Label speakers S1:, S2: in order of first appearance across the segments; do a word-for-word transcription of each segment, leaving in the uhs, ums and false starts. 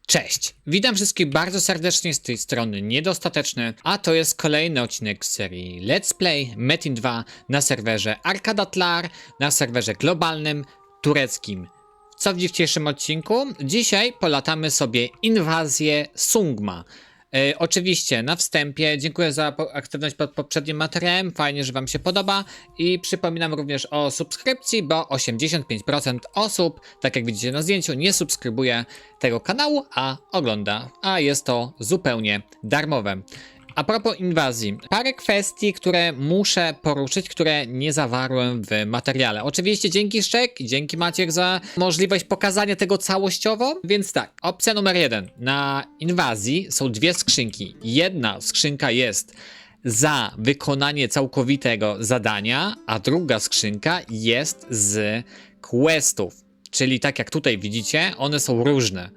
S1: Cześć! Witam wszystkich bardzo serdecznie z tej strony Niedostateczny, a to jest kolejny odcinek z serii Let's Play Metin dwa na serwerze Arkadatlar, na serwerze globalnym, tureckim. Co w dzisiejszym odcinku? Dzisiaj polatamy sobie inwazję Sungma. E, oczywiście na wstępie dziękuję za aktywność pod poprzednim materiałem, fajnie, że wam się podoba i przypominam również o subskrypcji, bo osiemdziesiąt pięć procent osób, tak jak widzicie na zdjęciu, nie subskrybuje tego kanału, a ogląda, a jest to zupełnie darmowe. A propos inwazji, parę kwestii, które muszę poruszyć, które nie zawarłem w materiale. Oczywiście dzięki Szczek i dzięki Maciek za możliwość pokazania tego całościowo. Więc tak, opcja numer jeden. Na inwazji są dwie skrzynki. Jedna skrzynka jest za wykonanie całkowitego zadania, a druga skrzynka jest z questów. Czyli tak jak tutaj widzicie, one są różne.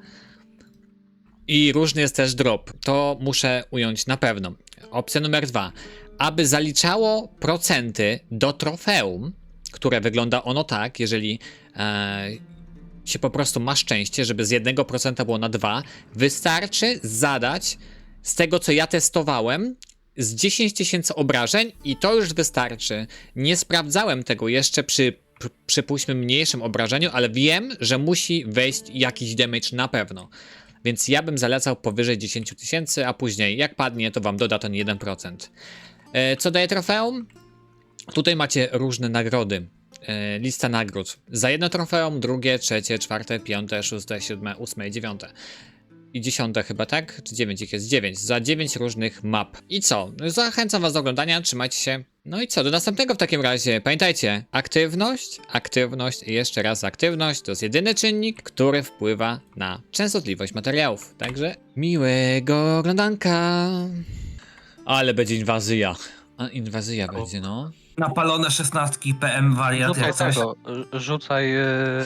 S1: I różny jest też drop. To muszę ująć na pewno. Opcja numer dwa. Aby zaliczało procenty do trofeum, które wygląda ono tak, jeżeli e, się po prostu ma szczęście, żeby z jednego procenta było na dwa, wystarczy zadać z tego, co ja testowałem, z dziesięć tysięcy obrażeń i to już wystarczy. Nie sprawdzałem tego jeszcze przy, przypuśćmy, mniejszym obrażeniu, ale wiem, że musi wejść jakiś damage na pewno. Więc ja bym zalecał powyżej dziesięć tysięcy, a później jak padnie, to wam doda ten jeden procent. E, co daje trofeum? Tutaj macie różne nagrody. E, lista nagród. Za jedno trofeum, drugie, trzecie, czwarte, piąte, szóste, siódme, ósme i dziewiąte. I dziesiąte chyba, tak? Czy dziewięć ich jest? dziewięć. Za dziewięć różnych map. I co? Zachęcam was do oglądania, trzymajcie się. No i co? Do następnego w takim razie. Pamiętajcie, aktywność, aktywność i jeszcze raz aktywność to jest jedyny czynnik, który wpływa na częstotliwość materiałów. Także miłego oglądanka. Ale będzie inwazja. A inwazja
S2: O.
S1: będzie, no.
S3: Napalone szesnastki P M wariat
S2: Rzucaj
S3: jak coś.
S2: tego, r- rzucaj yy,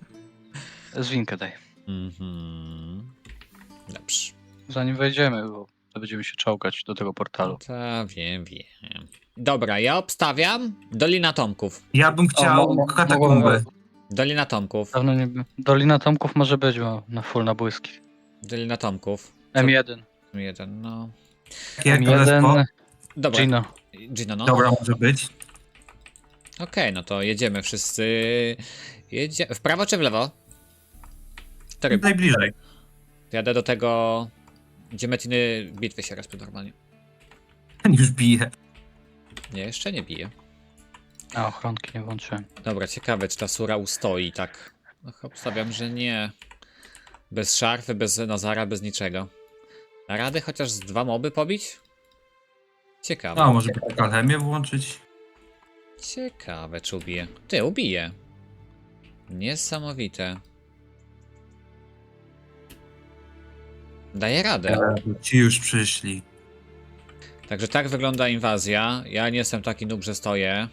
S2: zwinkę daj.
S1: Mhm. Dobrze.
S2: Zanim wejdziemy, bo to będziemy się czołgać do tego portalu.
S1: Ta, wiem, wiem. Dobra, ja obstawiam Dolina Tomków.
S3: Ja bym chciał
S2: O, mo- mo-
S3: katakumby.
S1: Dolina Tomków.
S2: Dawno nie by... Dolina Tomków może być, bo na full na błyski.
S1: Dolina Tomków.
S2: M jeden.
S1: Jeden, no.
S3: Jakie
S2: M
S3: królestwo?
S2: jeden,
S1: Dobra.
S2: Gino.
S1: Gino, no.
S3: Dobra, może być.
S1: Okej, no to jedziemy wszyscy. Jedzie... W prawo czy w lewo? Który?
S3: Najbliżej.
S1: Jadę do tego, gdzie metiny bitwy się respią normalnie.
S3: Ten już bije.
S1: Nie, jeszcze nie bije.
S2: A, ochronki nie włączyłem.
S1: Dobra, ciekawe, czy ta sura ustoi tak. No, obstawiam, że nie. Bez szarfy, bez Nazara, bez niczego. Da rady chociaż z dwa moby pobić? Ciekawe.
S3: No, może by alchemię włączyć.
S1: Ciekawe, czy ubije. Ty, ubije. Niesamowite. Daje radę.
S3: Ale ci już przyszli.
S1: Także tak wygląda inwazja. Ja nie jestem taki noob, że stoję.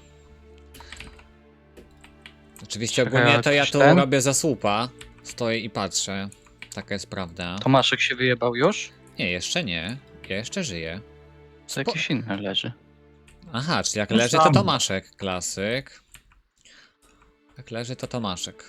S1: Oczywiście
S2: Czekaj,
S1: ogólnie
S2: ale
S1: to ja
S2: ktoś
S1: tu
S2: ten?
S1: robię za słupa. Stoję i patrzę. Taka jest prawda.
S2: Tomaszek się wyjebał już?
S1: Nie, jeszcze nie. Ja jeszcze żyję.
S2: Co
S1: Spo...
S2: jakiś inny leży.
S1: Aha, czyli jak
S3: To
S1: leży to
S3: samo.
S1: Tomaszek. Klasyk. Jak leży to Tomaszek.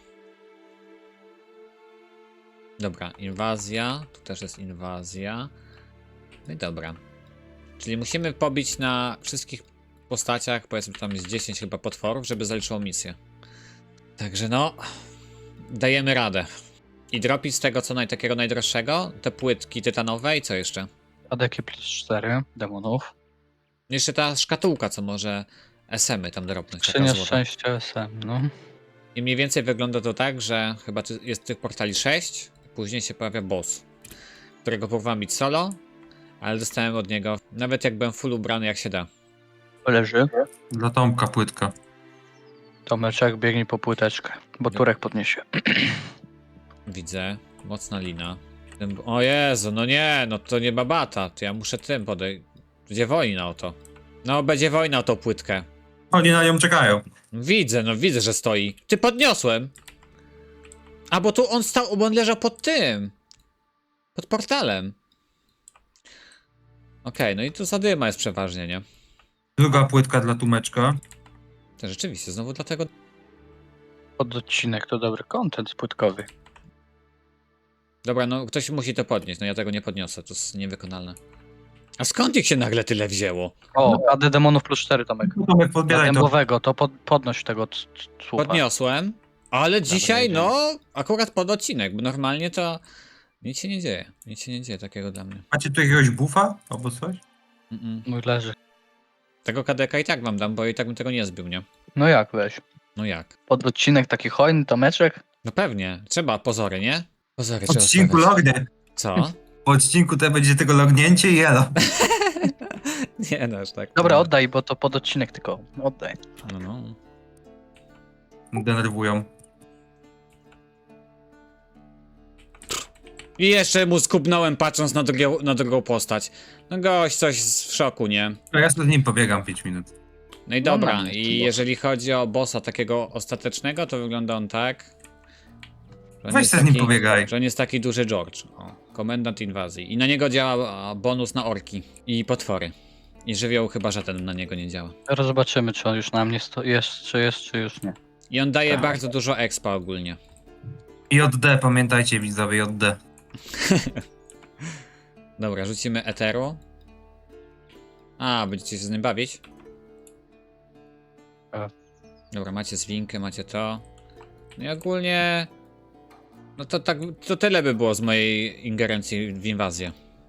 S1: Dobra, inwazja. Tu też jest inwazja. No i dobra. Czyli musimy pobić na wszystkich postaciach, powiedzmy tam jest dziesięć chyba potworów, żeby zaliczyło misję. Także no, dajemy radę. I dropić z tego co naj, takiego najdroższego, te płytki tytanowe i co jeszcze?
S2: Adeki plus cztery demonów.
S1: Jeszcze ta szkatułka, co może S M y tam dropnąć. taka
S2: Skrzynia
S1: złota.
S2: szczęścia S M, no.
S1: I mniej więcej wygląda to tak, że chyba ty- jest tych portali sześć, później się pojawia boss, którego próbowałem bić solo, ale dostałem od niego, nawet jak byłem full ubrany jak się da.
S2: Leży.
S3: Dla Tomka płytka.
S2: Tomeczek biegnie po płyteczkę, bo
S1: No.
S2: Turek podniesie.
S1: Widzę, mocna lina. Ten- O Jezu, no nie, no to nie babata, to ja muszę tym podejść. Będzie wojna o to. No, będzie wojna o tą płytkę.
S3: Oni na nią czekają.
S1: Widzę, no widzę, że stoi. Ty podniosłem. A bo tu on stał, bo on leżał pod tym. Pod portalem. Okej, no i tu zadyma jest przeważnie, nie?
S3: Druga płytka dla Tumeczka.
S1: To rzeczywiście, znowu dlatego...
S2: Pod odcinek to dobry content płytkowy.
S1: Dobra, no ktoś musi to podnieść, no ja tego nie podniosę, to jest niewykonalne. A skąd ich się nagle tyle wzięło?
S2: O, A D demonów plus cztery, Tomek.
S3: Tomek,
S2: Dla
S3: podbieraj to.
S2: dębowego, to pod, podnoś tego c- c- słupa.
S1: Podniosłem, ale dzisiaj,
S2: jedziemy.
S1: no, akurat pod odcinek, bo normalnie to nic się nie dzieje. Nic się nie dzieje takiego dla mnie.
S3: Macie tu jakiegoś bufa albo coś?
S1: Mm-mm.
S2: Mój leży.
S1: Tego kadeka i tak wam dam, bo i tak bym tego nie zbił, nie?
S2: No jak weź?
S1: No jak?
S2: Pod odcinek taki hojny, Tomeczek?
S1: No pewnie, trzeba pozory, nie? Pozory
S3: W
S1: trzeba
S3: odcinku
S1: stawiać.
S3: lognę.
S1: Co?
S3: Po odcinku to będzie tego lognięcie i elo.
S1: Nie, no aż tak.
S2: Dobra,
S1: nie.
S2: oddaj, bo to pod odcinek tylko. Oddaj.
S1: No, no.
S3: Denerwują.
S1: I jeszcze mu skubnąłem patrząc na, drugią, na drugą postać. No gość coś z- w szoku, nie?
S3: To ja sobie z nim pobiegam pięć minut.
S1: No i
S2: No,
S1: dobra,
S2: mamy
S1: i
S2: ten boss.
S1: jeżeli chodzi o bossa takiego ostatecznego, to wygląda on tak. Że on
S3: Weź
S1: jest
S3: se z nim
S1: taki-
S3: pobiegaj.
S1: Że on jest taki duży George. O, komendant inwazji. I na niego działa a, bonus na orki i potwory. I żywioł chyba żaden na niego nie działa.
S2: Teraz zobaczymy, czy on już na mnie sto- jest, czy jest, czy już nie.
S1: I on daje
S2: Tak.
S1: bardzo dużo expa ogólnie.
S3: J D, pamiętajcie widzowie, J D.
S1: Dobra, rzucimy eteru. A, będziecie się z nim bawić?
S2: Tak.
S1: Dobra, macie zwinkę, macie to. No i ogólnie... No to tak, to tyle by było z mojej ingerencji w inwazję.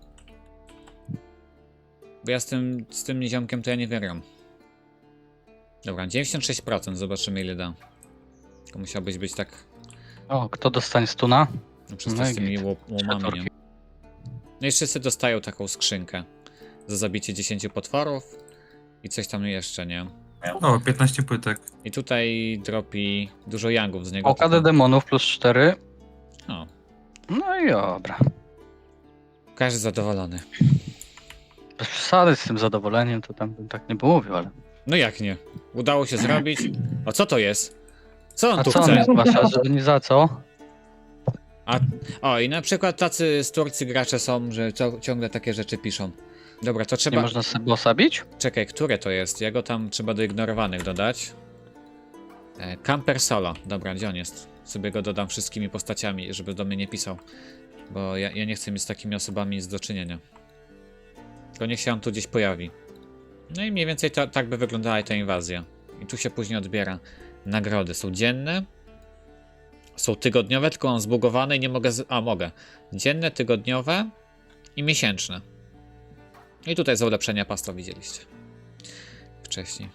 S1: Bo ja z tym, z tym niziomkiem to ja nie wygram. Dobra, dziewięćdziesiąt sześć procent, zobaczymy ile da. To musiałbyś być tak...
S2: O, kto dostanie stuna?
S1: No, przez
S2: No
S1: to
S2: i
S1: z tymi
S2: git.
S1: ło- łomami, nie?
S2: Czwórki.
S1: No i wszyscy dostają taką skrzynkę. Za zabicie dziesięciu potworów. I coś tam jeszcze, nie?
S3: O, piętnaście płytek.
S1: I tutaj dropi dużo yangów z niego.
S2: O, K D demonów plus cztery.
S1: O,
S2: No i dobra.
S1: każdy zadowolony.
S2: Bez przesady z tym zadowoleniem, to tam bym tak nie mówił, ale...
S1: No jak nie? Udało się zrobić. O, co to jest? Co on
S2: A
S1: tu
S2: co on
S1: chce?
S2: zgłasza, że nie za co?
S1: A, o, i na przykład tacy z Turcji gracze są, że cio- ciągle takie rzeczy piszą. Dobra, to
S2: Nie
S1: trzeba...
S2: można sobie bossa bić?
S1: Czekaj, które to jest? Ja go tam trzeba do ignorowanych dodać. E, Camper Solo. Dobra, gdzie on jest? Sobie go dodam wszystkimi postaciami, żeby do mnie nie pisał. Bo ja, ja nie chcę mieć z takimi osobami nic do czynienia. Tylko niech się on tu gdzieś pojawi. No i mniej więcej to, tak by wyglądała ta inwazja. I tu się później odbiera nagrody. Są dzienne. Są tygodniowe, tylko mam zbugowane i nie mogę... Z... A, mogę. Dzienne, tygodniowe i miesięczne. I tutaj za ulepszenia pasta widzieliście. Wcześniej.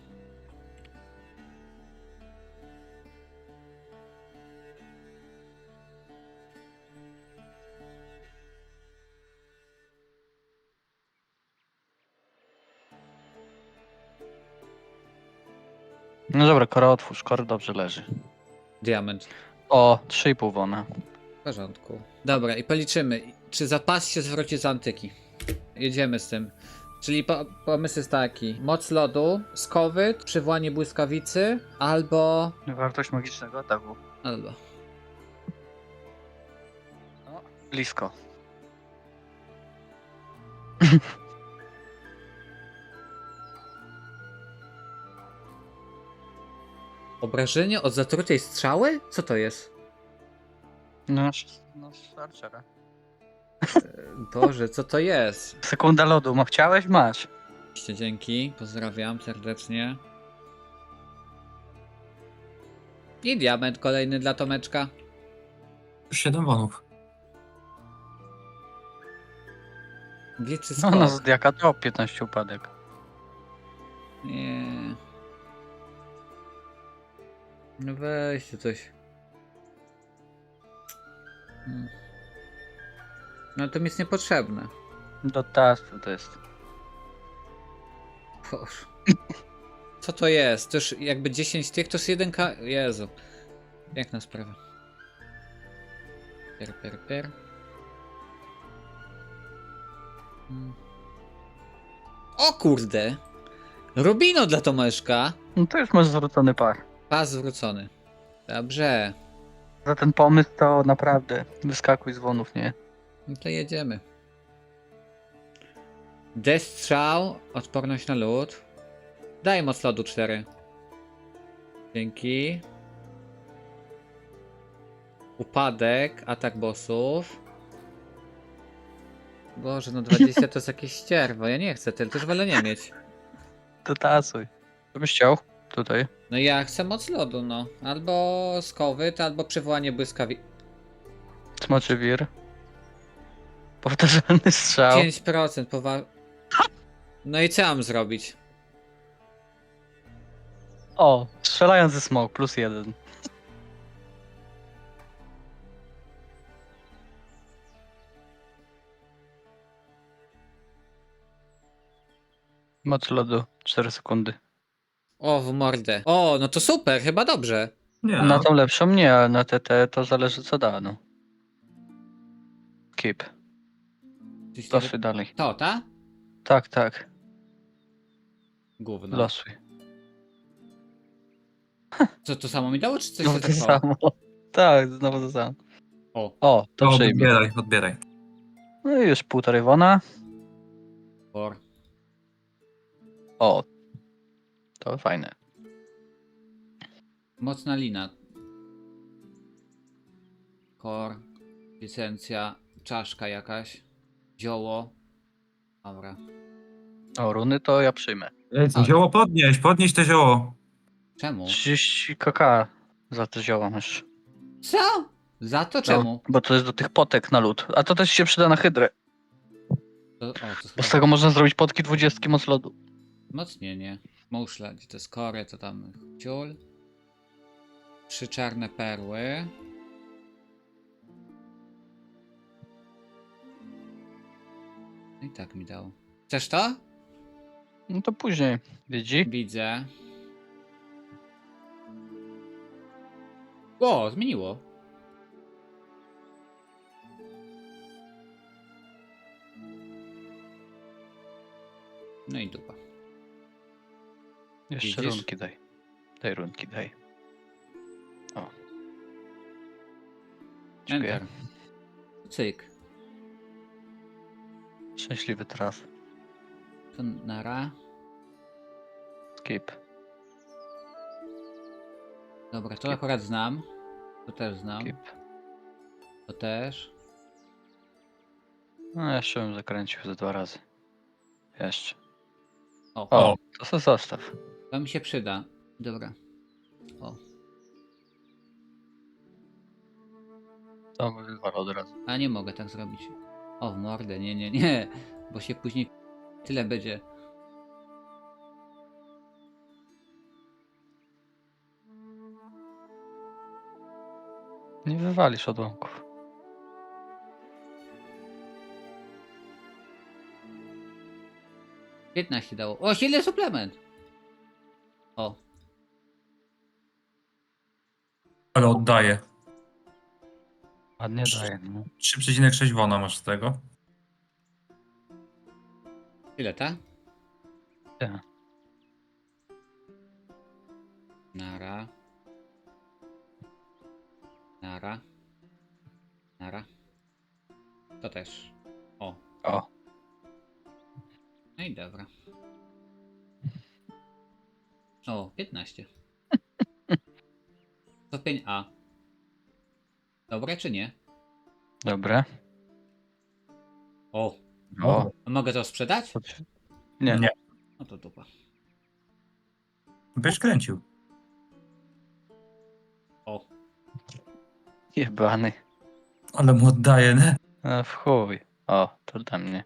S2: No dobra, kora otwórz, kor dobrze leży.
S1: Diament.
S2: O, trzy i pół wona.
S1: W porządku. Dobra, i policzymy. Czy zapas się zwróci z antyki? Jedziemy z tym. Czyli po, pomysł jest taki. Moc lodu, skowyt, przywołanie błyskawicy, albo...
S2: Wartość magicznego ataku.
S1: Albo...
S2: No, blisko.
S1: Obrażenie od zatrutej strzały? Co to jest?
S2: No, no Archera.
S1: Boże, co to jest?
S2: Sekunda lodu, ma chciałeś? Masz.
S1: Dzięki, pozdrawiam serdecznie. I diament kolejny dla Tomeczka.
S3: siedem wonów.
S1: Gliczy
S2: No,
S1: skok.
S2: no Zodiaka to piętnaście upadek.
S1: Nie. No weźcie coś. Hmm. No to mi jest niepotrzebne.
S2: Do tastu to jest.
S1: Boże. Co to jest? To już jakby dziesięć tych, to jest jeden K... Jezu. Piękna sprawa. Per, per, per. Hmm. O kurde! Rubino dla Tomeszka.
S2: No to już masz zwrócony par.
S1: Pas zwrócony. Dobrze.
S2: Za ten pomysł to naprawdę wyskakuj z wonów, nie?
S1: No to jedziemy. Destrzał, odporność na lód. Daj moc lodu cztery. Dzięki. Upadek, atak bossów. Boże, no dwadzieścia to jest jakieś ścierwo. Ja nie chcę tyle, też wolę nie mieć.
S2: To tasuj. Co byś chciał? Tutaj.
S1: No ja chcę moc lodu, no. Albo skowyt, albo przywołanie błyskawi...
S2: Smoczy wir. Powtarzalny strzał.
S1: pięć procent powa... No i co mam zrobić?
S2: O, strzelający smok, plus jeden. Moc lodu, cztery sekundy.
S1: O, w mordę. O, no to super, chyba dobrze.
S3: Nie
S2: Na
S3: no.
S2: tą lepszą nie, a na T T to zależy co da, no. Keep.
S1: Coś
S2: Losuj dalej.
S1: To, ta?
S2: Tak, tak.
S1: Gówno.
S2: Losuj.
S1: Co, to samo mi dało, czy coś
S2: Znowu
S1: się
S2: to
S1: zachowało?
S2: samo. Tak, znowu to samo.
S1: O,
S2: O, to
S3: To
S2: przyjmie.
S3: odbieraj, odbieraj.
S2: No i już półtorej wona.
S1: por.
S2: O. To fajne.
S1: Mocna lina. Kor. Licencja. Czaszka jakaś. Zioło. Dobra.
S2: O, runy to ja przyjmę.
S1: A.
S3: Zioło podnieś, podnieś to zioło.
S1: Czemu?
S2: trzydzieści kk za te zioła masz.
S1: Co? Za to czemu?
S2: Bo to jest do tych potek na lód. A to też się przyda na hydrę.
S1: To, o, to
S2: Bo z
S1: chyba
S2: tego można zrobić potki dwudziestki moc lodu.
S1: wzmocnienie. Muszla, gdzie to jest kory, to tam ciul. Trzy czarne perły. No i tak mi dał. Chcesz to?
S2: No to później. Widzi?
S1: Widzę. O, zmieniło. No i dupa.
S2: Jeszcze
S1: Widzisz?
S2: runki daj. Daj runki, daj. O. Dziękuję.
S1: Enter. Cyk.
S2: Szczęśliwy traf.
S1: To nara.
S2: Skip.
S1: Dobra, to
S2: Skip.
S1: akurat znam. To też znam.
S2: Skip.
S1: To też.
S2: No jeszcze bym zakręcił ze dwa razy. Jeszcze.
S1: O,
S2: O,
S3: O.
S2: to se zostaw.
S1: to mi się przyda. Dobra. O.
S2: To by wywalał od razu.
S1: A nie mogę tak zrobić. O, w mordę, nie, nie, nie. Bo się później tyle będzie.
S2: Nie wywalisz odłamków.
S1: piętnaście dało. O, silny suplement! O,
S3: Ale oddaję.
S2: Ładnie daje. No.
S3: trzy przecinek sześć wona masz z tego.
S1: ile ta?
S2: Tak.
S1: Nara. Nara. Nara. To też. O.
S2: O.
S1: No i dobra. O, piętnaście. Stopień A. Dobre czy nie?
S2: Dobre.
S1: O.
S2: O.
S1: A mogę to sprzedać?
S2: Nie.
S3: Nie.
S1: No to dupa.
S3: Byś kręcił.
S1: O.
S2: Jebany.
S3: Ale mu oddaję, nie?
S2: A w chuj. O, to dla mnie.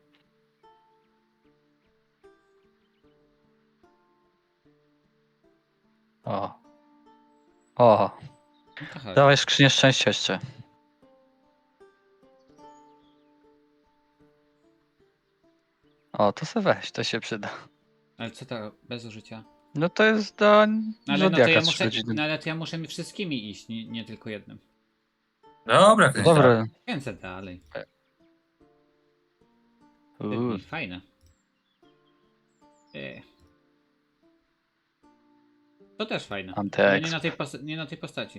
S2: O. O.
S1: No to chodź.
S2: Dawaj skrzynię szczęścia jeszcze. O, to se weź, to się przyda.
S1: Ale co to bez użycia?
S2: No to jest do
S1: No ale, no to
S2: Zodiaka
S1: ja
S2: trzy
S1: muszę,
S2: godziny.
S1: no ale to ja muszę mi wszystkimi iść, nie, nie tylko jednym.
S3: Dobra, kręć.
S2: Dobra.
S1: Kręcę dalej.
S2: Uuu,
S1: Fajne. Yy. To też fajne. Ale nie
S2: Antyexp.
S1: na tej, pos- nie na tej postaci.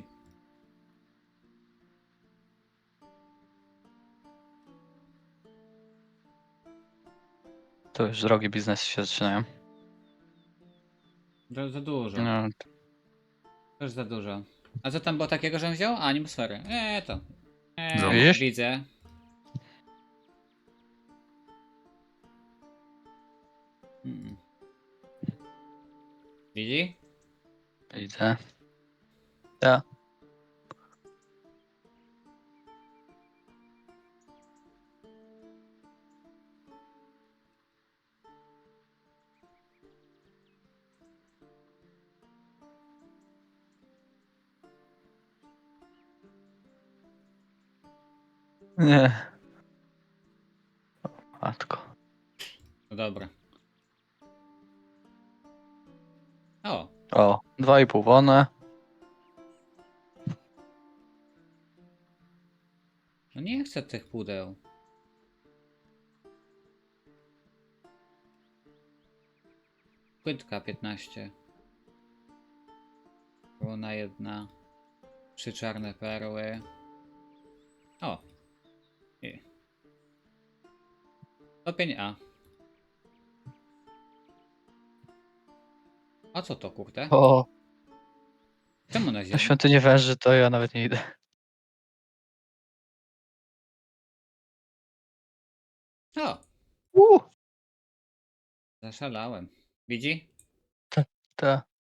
S2: To już drogie biznesy się zaczynają.
S1: To za dużo.
S2: No,
S1: Też za dużo. A co tam było takiego, że on wziął? A, animosfery. Eee, to. Eee,
S3: Zobacz.
S2: Widzisz?
S1: widzę. Mm. Widzi?
S2: Widzę. Ja. Nie. Matko.
S1: No dobra. O,
S2: O, dwa i pół wone.
S1: no nie chcę tych pudeł. Płytka piętnaście. Runa jedna. Trzy czarne perły. O. I. Stopień A. A co to, kurde?
S2: O,
S1: Czemu na
S2: na
S1: ziemi?
S2: świątynię węży to ja nawet nie idę.
S1: O,
S2: Uh,
S1: zaszalałem. Widzi?
S2: ta.